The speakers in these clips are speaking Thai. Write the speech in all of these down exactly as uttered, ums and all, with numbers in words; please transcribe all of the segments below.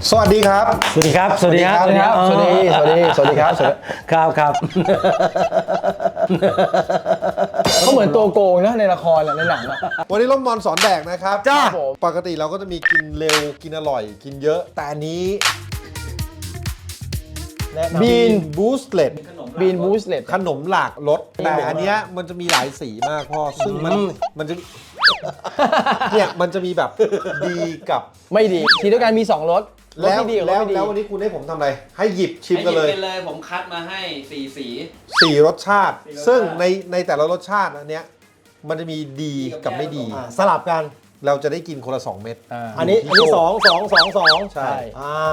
สวัสดีครับสวัสดีครับสวัสดีครับสวัสดีครับสวัสดีสวัสดีสวัสดีครับครับครับเขาเหมือนตัวโกงนะในละครในหนังอะวันนี้ร่มมอนสอนแดกนะครับจ้าปกติเราก็จะมีกินเร็วกินอร่อยกินเยอะแต่อันนี้บีนบูสเลตบีนบูสเลตขนมหลากรสแต่อันเนี้ยมันจะมีหลายสีมากพ่อซึ่งมันมันจะเนี่ยมันจะมีแบบดีกับไม่ดีทีด้วยกันมีสองรสรสแล้วที่ดีกับรแล้สวไม่ดีแล้ววันนี้คุณให้ผมทำอะไรให้หยิบชิมกันเลยให้หยิบไปเลยผมคัดมาให้สี่สีสี่รสชาติสี่รสชาติซึ่งในในแต่ละรสชาติอันเนี้ยมันจะมีดีกับไม่ดีอ่าสลับกันเราจะได้กินคนละสองเม็ดอ่าอันนี้อันนี้สองสองสองสองใช่อ่า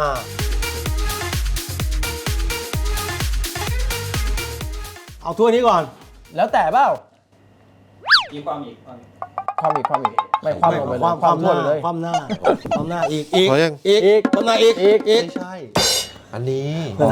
เอาถ้วยนี้ก่อนแล้วแต่เปล่ามีความอีกความอีกความอีกความอีกไม่ความลงไปเลยความความหทั่วน้าไปเลยความหน้าความหน้าอีกอีกพอยังอีกอีกความหน้าอีกอีกอีกไม่ใช่ อันนี้อ๋อ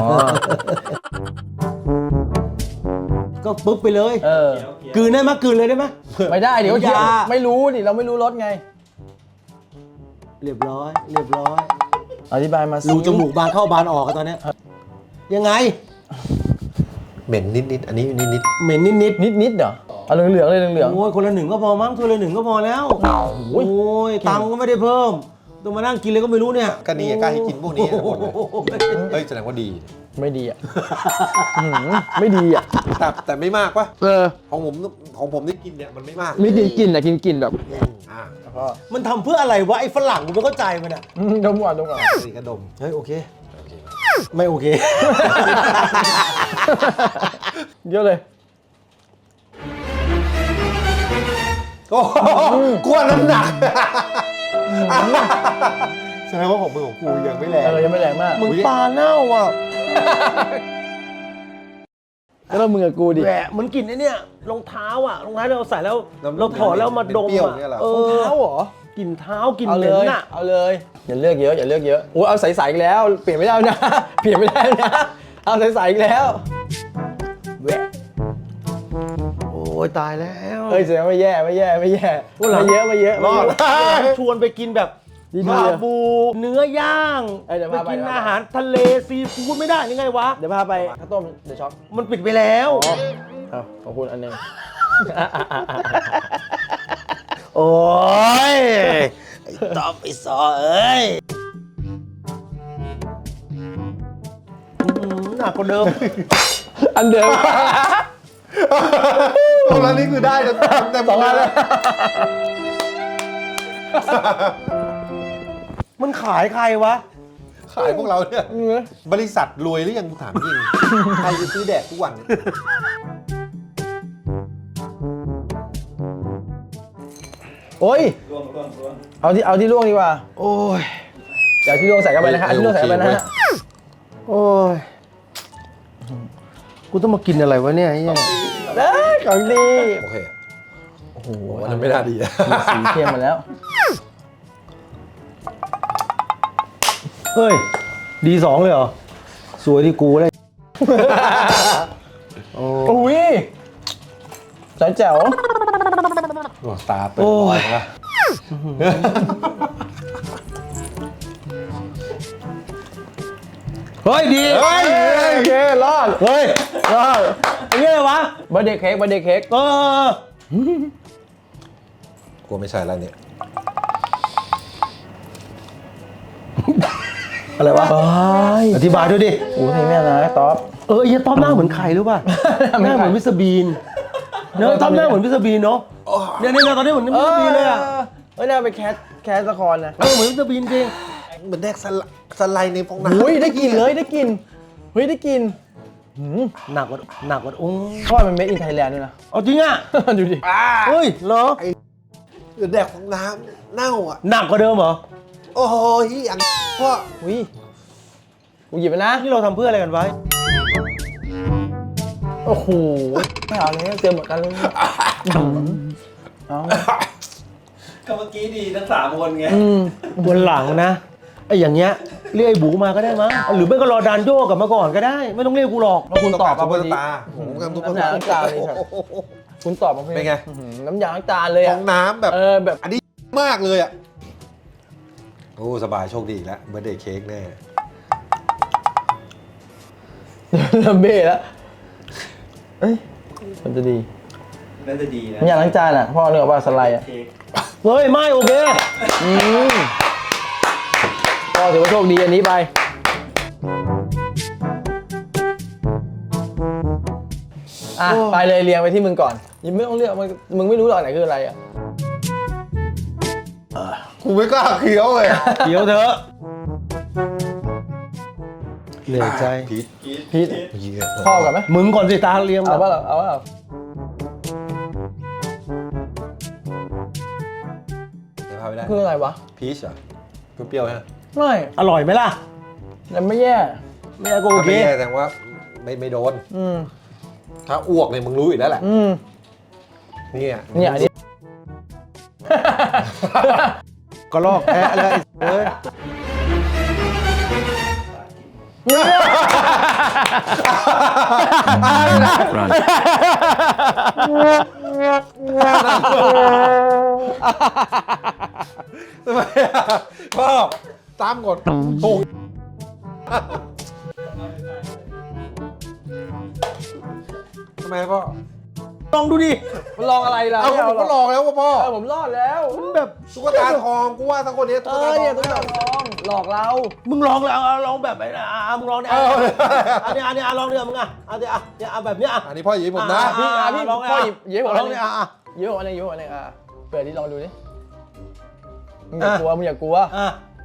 ก็ปุ๊บไปเลยเออกลืนได้ไหมกลืนเลยได้ไหมไม่ได้เดี๋ยวอย่าไม่รู้นี่เราไม่รู้รสไงเรียบร้อยเรียบร้อยอธิบายมาสิรูจมูกบานเข้าบานออกกันตอนเนี้ยยังไงเหม็นนิดนิดๆอันนี้นิดนิดเหม็นนิดนิดนิดนิดเหรอเอาเหลืองๆเลยเหลืองโอ้ยคนละหนึ่งก็พอมั้งถ้วยละหนึ่งก็พอแล้วโอ้ยตังค์ก็ไม่ได้เพิ่มต้องมานั่งกินเลยก็ไม่รู้เนี่ยๆก็นี่กล้าให้กินพวกนี้ทั้งหมดเลยเฮ้ยแสดงว่าดีๆไม่ดีอ่ะอื้อหือไม่ดีอ่ะแต่แต่ไม่มากปะเออของผมของผมที่กินเนี่ยมันไม่มากไม่กินกลินอ่ะกินกลินแบบอ่ามันทำเพื่ออะไรวะไอ้ฝรั่งกูไม่เข้าใจมันอ่ะอืมดมก่อนดมก่อนสีกระดมเฮ้ยโอเคไม่โอเคเยอะเลยโอ้โหกลัวน้ำหนักแสดงว่าของมือของกูยังไม่แรงเออยังไม่แรงมากมึงปลาเน่าอ่ะก็ต้องมึงกับกูดิแหวะเหมือนกลิ่นไอ้เนี่ยรองเท้าอ่ะรองเท้าเราใส่แล้วเราถอดแล้วมาดมเปรี้ยวอ่ะเนี่ยเหรอเอรองอเท้าเหรอกลิ่นเท้ากลิ่นเอาเหเลม็นยน่ะเอาเลยอย่าเลือกเยอะอย่าเลือกเยอะโอ้ยเอาใสๆอีกแล้วเปลี่ยนไม่ได้นะ เปลี่ยนไม่ได้นะเอาใสๆอีกแล้วแหวะโอ้ยตายแล้วเฮ้ยแสดงไม่แย่ไม่แย่ไม่แย่ไม่เยอะไม่เยอะรอดไม่เยอะชวนไปกินแบบดีๆชาบูเนื้อย่างเอ้ยเดี๋ยวไปพาไปกินเดี๋ยวพาไปอาหารทะเลซีฟู้ดไม่ได้ยังไงวะเดี๋ยวพาไปข้าวต้มเดี๋ยวช็อกมันปิดไปแล้วอ๋อเอาขอบคุณอันหนึงโอ้ยไอ้ตอบไอ้ซอเอ้ยอื้อหือหนักกว่าเดิมอันเดิมตรงนั้นนี่คือได้แต่แต่สองอันแล้วมันขายใครวะขายพวกเราเนี่ยบริษัทรวยหรือยังกูถามจริงใครจะซื้อแดกทุกวันเนี่ยโอ้ยร่วงร่วงร่วงเอาที่เอาที่ล่วงดีกว่าโอ้ยเดี๋ยวที่ล่วงใส่กันไปนะฮะเอาที่ล่วงใส่กันไปนะฮะโอ้ยกูต้องมากินอะไรวะเนี่ยไอ้เหี้ยเอ้ยของดีโอเคโอ้โหวันนั้นไม่น่าดีอะมีสีเข้มมาแล้วเฮ้ยดีสองเลยเหรอสวยที่กูเลย โอ้อุ้ยสายแจ๋วโอ้ตาเปิดลอยแล้วเฮ้ยดีเฮ้ยโอเครอดเฮ้ยรอดไอ้เงี้ยวะเบอร์เดย์เค้กเบอร์เดย์เค้กเออกลัวไม่ใช่แล้วเนี่ยอะไรวะเฮ้ยอธิบายด้วยดิโอ้ยแม่นะต๊อปเออไอ้เหี้ยต้อมหน้าเหมือนใครรู้ป่ะ หน้าเหมือนมิสเตอร์บีนเนอะต้อมหน้าเหมือนมิสเตอร์บีนเนาะเนี่ยเนี่ยตอนนี้เหมือนมิสเตอร์บีนเลยอ่ะเฮ้ยน่าเป็นแคสแคสละครนะเออเหมือนมิสเตอร์บีนจริงเหมือนแดกสไลสไลด์ในฟองน้ำอุ้ยได้กลินเลยได้กลินเฮ้ยได้กลินหืมหนักกว่าหนักกว่าอุ้งเพราะว่ามันเมดอินไทยแลนด์ด้วยนะเอาจริงอ่ะดูดิเฮ้ยเหรอเหมือนแดกฟองน้ำเน่าอ่ะหนักกว่าเดิมเหรอโอ้โหอย่างพ่ออุ้ยกูหยิบไปนะนี่เราทำเพื่ออะไรกันไว้โอ้โหไม่เอาเลยเจอเหมือนกันเลยเอาก็เมื่อกี้ดีทั้งสามคนไงอืมบนหลังนะไอ้อย่างเงี้ยเรียกไอ้บูมาก็ได้มั้งหรือไม่ก็รอดานโยกกลับมาก่อนก็ได้ ไม่ต้องเรียกกูหรอกแล้วคุณตอบกัมาบพตุ๊อก ดีตาผมกับตุ๊กน้ำยาตาล้างจานเลยครับ คุณตอบมาพอดีเป็นไงอื้อหือน้ำยาล้างจานเลยฟอะองน้ำแบบเออแบบอันนี้มากเลยอ่ะโอ้สบายโชคดีอีกแล้วเบอร์เดย์เค้กแน่เริ่มเบ้แล้วเอ้ยมันจะดีน่าจะดีนะไม่อยากล้างจานอ่ะพ่อเนื้อว่าสไลด์อ่ะเค้กเฮ้ยไม่โอเคอืมพ่อถือว่าโชคดีอันนี้ไปอ่ะไปเลยเรียงไปที่มึงก่อนยังไม่ต้องเลือกมึงมึงไม่รู้หรอกไหนคืออะไรอ่ะกูไม่กล้าเคี้ยวเลยเดี๋ยวเถอะเหนื่อยใจพีทพีทเหี้ยพ่อกันไหมมึงก่อนสิตาเรียงเอาป่ะเหรอเอาป่ะเหรอเดี๋ยวพาไปได้คืออะไรวะพีชเหรอเปรี้ยวๆฮะไม่อร่อยไหมล่ะแต่ไม่แย่แม่ก็โอเคไม่แย่แต่ว่าไม่ไม่โดนอืมถ้าอ้วกเนี่ยมึงรู้อยู่แล้วแหละอืมเนี่ยเนี่ยอันนี้ก็ลอกแอะเลยเฮ้ยทำไมอ่ะพ่อตามกฎถูกทำไมพ่อลองดูดิมันลองอะไรล่ะเอาไม่ผมหรก็ลองแล้วว่าพ่อเออผมรอดแล้วมันแบบตุ๊กตาทองกูว่าทั้งคนนี้เอตุ๊กอตาทเนี่ยองต้องลองหลอกเรามึงลองเลยเอาเอาลองแบบไหนนะอ่ะมึงลองเนี่ยเอออันนี้อันนี้อ่ะลองเดี๋ยวมึงอ่ะอันนี้อ่ะเนี่ยเอาแบบเนี้ยอ่ะอันนี้พ่อหยิบผมนะอ่ะพี่อ่ะพี่ลองพ่อหยิบหยิบผมลอัอน งหนึเนี่ยงอ่ะอ่ะหยิบผมอันหนึงหยิบผมอันหนึงอ่ะเปิดดิลองดูดิมึงออ่ะย่ากลัวมึงอย่ากลัวอ่ะ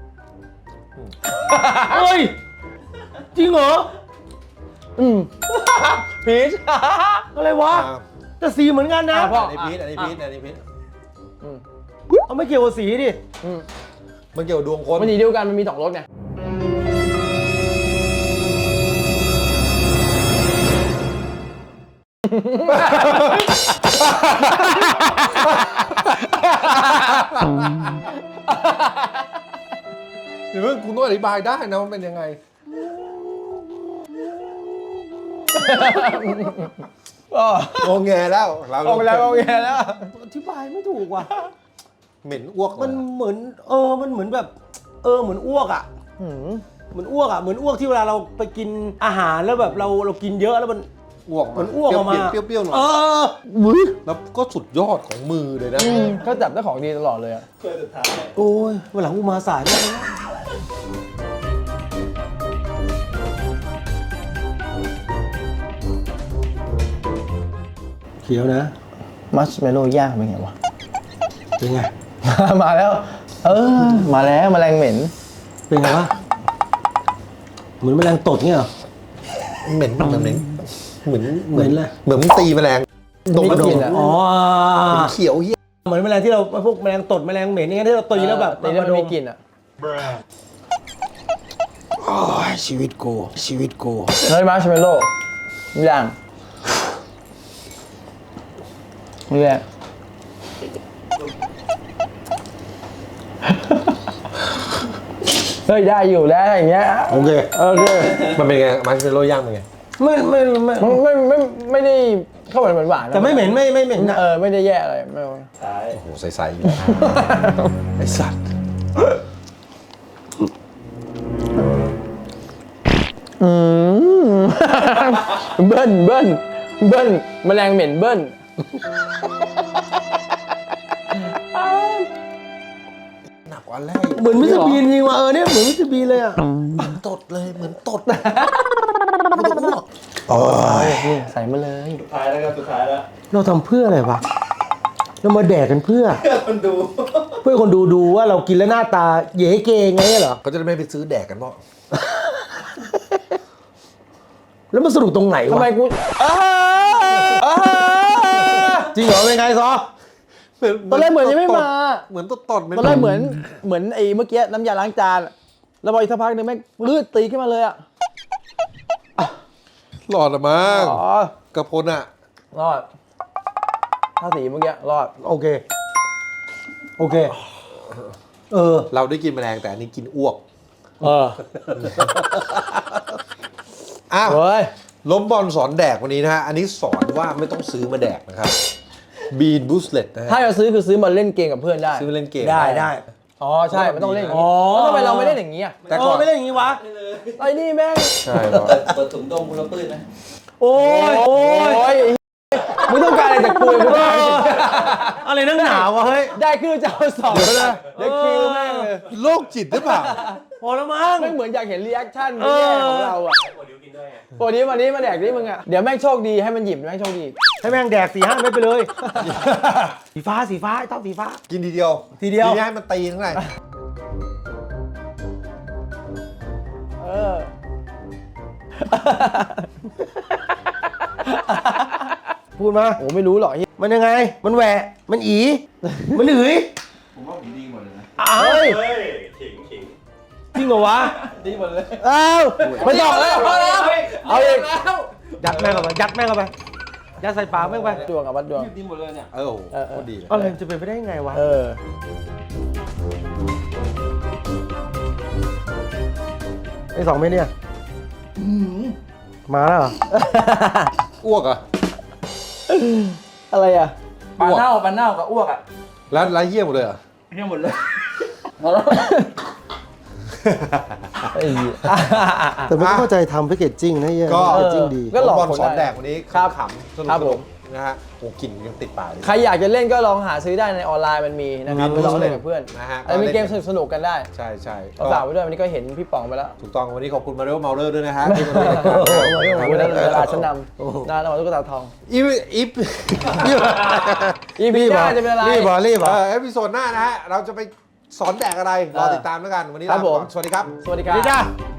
เฮ้ยจริงเหรออืมพีชอะไรวะอ่าแต่สีเหมือนกันนะอ่ะพ่ออันนี้พีชอันนี้พีชอันนี้พีชอืมเอาไม่เกี่ยวกับสีดิอืมมันเกี่ยวกับดวงคนมันสีเดียวกันมันมีสองรสไงเดี๋ยวคุณต้องอธิบายได้นะว่าเป็นยังไงอ๋องงแงแล้วเราออกไปแล้วโอเคแล้วอธิบายไม่ถูกว่ะเหม็นอ้วกมันเหมือนเออมันเหมือนแบบ เออเหมือนอ้วกอ่ะอืมเหมือนอ้วกอ่ะเหมือนอ้วกที่เวลาเราไปกินอาหารแล้วแบบเราเรากินเยอะแล้วมันอ้วกเหมือนอ้วกออกมาเปรี้ยวๆหน่อยเออมึยแล้วก็สุดยอดของมือเลยนะอืมก็จับได้ของดีตลอดเลยอ่ะถ้วยสุดท้ายโอ้ยวันหลังกูมาสายมากนะเขียวนะมัชเมลโล่ย่างเป็นไงวะเป็นไงมาแล้ว เออ มาแล้วแมลงเหม็นเป็นไงวะเหมือนแมลงตดเงี้ยเหรอเหม็นเหมือนเหม็นเหมือนเหม็นเลยเหมือนมึงตีแมลงดมไม่กระดกิมนอะอ๋อเขียวเหี้ยเหมือนแมลงที่เราพวกแมลงตดแมลงเหม็นอย่างเงี้ยที่เราตีแล้วแบบตีแล้วมันมีกลิ่นอ่ะโอ้ยชีวิตกูชีวิตกูเฮ้ยมัชเมลโล่ย่างนี่แหละ เฮ้ยได้อยู่แล้วอย่างเงี้ยโอเคโอเคมันเป็นไงมาร์ชเมลโล่ย่างเป็นไงไม่ไม่ไม่ไม่ไม่ไม่ไม่ได้เข้าเหมือนหวานๆนะแต่ไม่เหม็นไม่ไม่เหม็นนะเออไม่ได้แย่อะไรไม่ท้ายโอ้โหใสๆอยู่ไอสัตว์อืม เบิ้ลเบิ้ลเบิ้ลแมลงเหม็นเบิ้ลหนักกว่าแรกเหมือนมิสเตอร์บีนจริงว่ะเออเนี่ยเหมือนมิสเตอร์บีนเลยอ่ะตดเลยเหมือนตดนี่ใส่มาเลยสุดท้ายแล้วครับสุดท้ายแล้วเราทำเพื่ออะไรวะเรามาแดกกันเพื่อเพื่อคนดูเพื่อคนดูดูว่าเรากินแล้วหน้าตาเย้เกงไงเหรอเขาจะได้ไม่ไปซื้อแดกกันเพราะแล้วมันสนุกตรงไหนทำวะไมกูอ้าอ้าจริงเหรอเป็นไงซอตอนแรกเหมือนยังไม่มาเหมือนตดตดๆตอนแรกเหมือนเหมือนไอ้เมื่อกี้น้ำยาล้างจานแล้วพออีกสักพักนึงแม่งลืดตีขึ้นมาเลยอ่ะหลอดอะมั้งอ๋อกระพลอะรอดถ้าสีเมื่อกี้รอดโอเคโอเคเออเราได้กินแมลงแต่อันนี้กินอ้วกเอออ้าวเฮ้ยล้มบอลสอนแดกวันนี้นะฮะ อันนี้สอนว่าไม่ต้องซื้อมาแดกนะครับบีนบูสเลตนะฮะถ้าจะซื้อคือซื้อมาเล่นเกมกับเพื่อนได้ซื้อมาเล่นเกมได้ได้อ๋อใช่มันต้องเล่นอย่างอ๋นี้อแล้วทำไมเราไม่เล่นอย่างนี้อ่ะแต่ก่อนเไม่เล่นอย่างนี้วะไอ้นี่แม่งใช่ครับเปิดถุงดมคุณละปื้นนะโอ้ยโอ้ยมึงต้องการอะไรจากกูมึงเอถามจริงออะไรนักหนาวะเฮ้ยได้คือจะเอาสองเดี๋ยวนะเด็กคิวแม่งเลยโรคจิตหรือเปล่าพอแล้วมั้งไม่เหมือนอยากเห็นรีแอคชั่นเอแย่อของเราอ่ะโอ้นี้วันนี้มาแดกนี่มึงอ่ะเดี๋ยวแม่งโชคดีให้มันหยิบแม่งโชคดีให้แม่งแดกสี่ห้าเม็ดไปเลย สีฟ้าสีฟ้าไอ้ต้องสีฟ้ากินทีเดียวทีเดียวทีนี้ให้มันตีทั้งไหนเออพูดมาโอ้ไม่รู้หรอกไอ้มันยังไง มันแหวะ มันอี มันหืยผมว่าผมดีหมดเลยนะอ้าวเฮ้ยเฮ้ยขิงขิงจริงเหรอวะดีหมดเลยอ้าวไม่ต้องแล้วพอแล้วเอาอีกยัดแม่งเข้าไปยัดแม่งเข้าไปยัดใส่ปากแม่งไปดวงกับวัดดวงดีหมดเลยเนี่ยเออโอ้โหเออเออโคตรดีเลยอะไรมันจะเป็นไปได้ยังไงวะเออไอ้สองเม็ดเนี่ยมาแล้วเหรออ้วกเหรอ่ะอะไรอ่ะปลาเน่าปลาเน่ากับอ้วกอ่ะแล้วแล้วเยี่ยมหมดเลยเหรอเหี้ยหมดเลยไอ้เหี้ยแต่ไม่เข้าใจทำแพคเกจจิ้งนะเฮียก็แพคเกจจิ้งดีก็หลอกบอลคนสอนได้แดกวันนี้ครับขำๆสนุกครับสผนุมกนะฮะโอ้กลิ่นยังติดปากเลยใครอยากจะเล่นก็ลองหาซื้อได้ในออนไลน์มันมีนะครับมีไปลองเล่นกับเพื่อนนะฮะไอ้มีเกมสนุกๆกันได้ใช่ใช่ก็ฝากไว้ด้วยวันนี้ก็เห็นพี่ป๋องไปแล้วถูกต้องวันนี้ขอบคุณมาเรลเมาเลอร์ด้วยนะฮะที่มาร่วมรายการโอ้โหโอ้โหเวลาชั้นนำนาเราตุ๊กตาทองอีฟอีฟอีพีหน้าจะเป็นอะไรรีบเหรอรีบเหรเอออเอพิโซดหน้านะฮะเราจะไปสอนแดกอะไรรอติดตามแล้วกันวันนี้ครัลาบไปก่อนผมสวัสดีครับสวัสดีครับดีจ้า